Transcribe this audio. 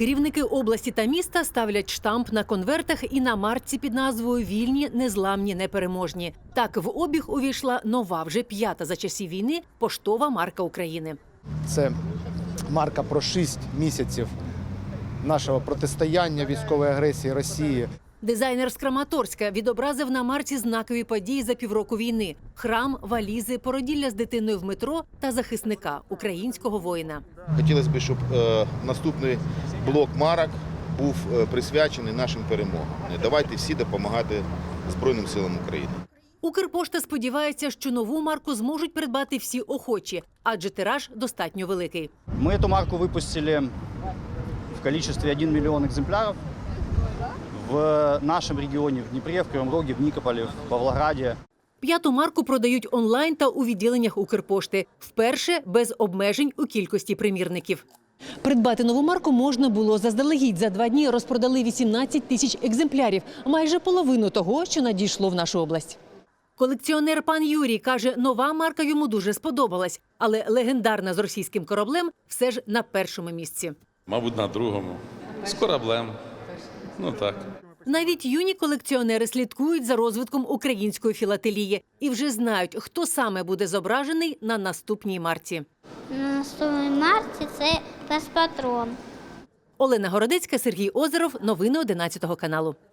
Керівники області та міста ставлять штамп на конвертах і на марці під назвою «Вільні, незламні, непереможні». Так в обіг увійшла нова, вже 5-та за часів війни, поштова марка України. Це марка про 6 місяців нашого протистояння військової агресії Росії. Дизайнер з Краматорська відобразив на марці знакові події за півроку війни – храм, валізи, породілля з дитиною в метро та захисника – українського воїна. Хотілося б, щоб наступний блок марок був присвячений нашим перемогам. Давайте всі допомагати Збройним силам України. Укрпошта сподівається, що нову марку зможуть придбати всі охочі, адже тираж достатньо великий. Мы эту марку выпустили в количестве 1 миллион экземпляров в нашем регионе, в Днепре, в Кривом Роге, в Никополе, в Павлограде. 5-ту марку продають онлайн та у відділеннях Укрпошти. Вперше без обмежень у кількості примірників. Придбати нову марку можна було заздалегідь. За 2 дні розпродали 18 тисяч екземплярів. Майже половину того, що надійшло в нашу область. Колекціонер пан Юрій каже, нова марка йому дуже сподобалась. Але легендарна з російським кораблем все ж на першому місці. Мабуть, на другому. З кораблем. Ну так. Навіть юні колекціонери слідкують за розвитком української філателії і вже знають, хто саме буде зображений на наступній марці. На наступній марці це пес-патрон. Олена Городецька, Сергій Озеров. Новини 11 каналу.